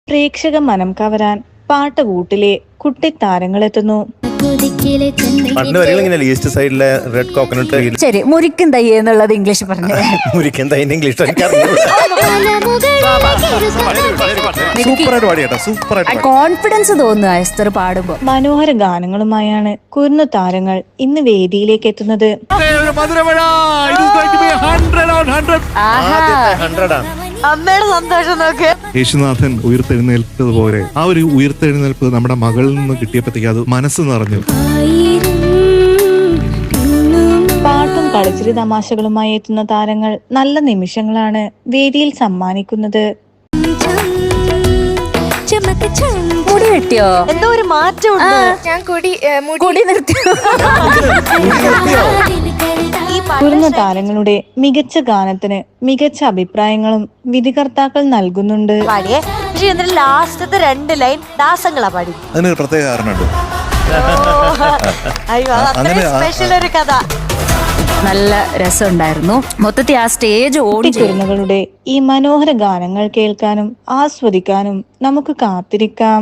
പ്രേക്ഷക മനം കവരാൻ പാട്ടുകൂട്ടിലെ കുട്ടിത്താരങ്ങളെത്തുന്നു. പണ്ട് വരികൾ ഇങ്ങനെ ഈസ്റ്റ് സൈഡിലെ റെഡ് കോക്കനട്ട് ട്രീ. ശരി, മുരിക്കും തൈ എന്നുള്ളത് ഇംഗ്ലീഷ് പറഞ്ഞു. മുരിക്കൻ തൈ ഇംഗ്ലീഷ് കോൺഫിഡൻസ് തോന്നുന്നു എസ്തർ പാടുമ്പോ. മനോഹര ഗാനങ്ങളുമായാണ് കുരുന്നു താരങ്ങൾ ഇന്ന് വേദിയിലേക്ക് എത്തുന്നത്. അമ്മയുടെ സന്തോഷം നോക്ക്. യേശുനാഥൻ ഉയർത്തെഴുന്നേൽപ്പതുപോലെ ആ ഒരു ഉയർത്തെഴുന്നേൽപ്പ് നമ്മുടെ മകളിൽ നിന്ന് കിട്ടിയപ്പോഴത്തേക്ക് അത് മനസ്സ് നിറഞ്ഞു. പാട്ടും കളിച്ചിരി തമാശകളുമായി എത്തുന്ന താരങ്ങൾ നല്ല നിമിഷങ്ങളാണ് വേദിയിൽ സമ്മാനിക്കുന്നത്. മുടി വെട്ടിയോ? എന്തോ ഒരു മാറ്റമുണ്ട്. ഞാൻ മുടി നിർത്തിയോ? കുരുന്നു താരങ്ങളുടെ മികച്ച ഗാനത്തിന് മികച്ച അഭിപ്രായങ്ങളും വിധികർത്താക്കൾ നൽകുന്നുണ്ട്. പാടിയേ, പക്ഷെ എന്നിട്ട് ലാസ്റ്റത്തെ 2 ലൈൻ ദാസങ്ങളാ പാടി. അതിന് പ്രത്യേക കാരണമുണ്ട്. അയ്യോ, അത്രയും സ്പെഷ്യൽ ഒരു കഥ. നല്ല രസമുണ്ടായിരുന്നു. മൊത്തത്തിൽ ആ സ്റ്റേജ് ഓടി. കുരുന്നുകളുടെ ഈ മനോഹര ഗാനങ്ങൾ കേൾക്കാനും ആസ്വദിക്കാനും നമുക്ക് കാത്തിരിക്കാം.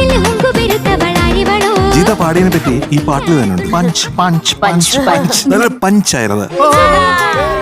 ഗീത പാടിയതിനെ പറ്റി ഈ പാട്ടിൽ തന്നെ ഉണ്ട്. പഞ്ച് പഞ്ച് പഞ്ച് പഞ്ച് നല്ല പഞ്ചായിരുന്നത്.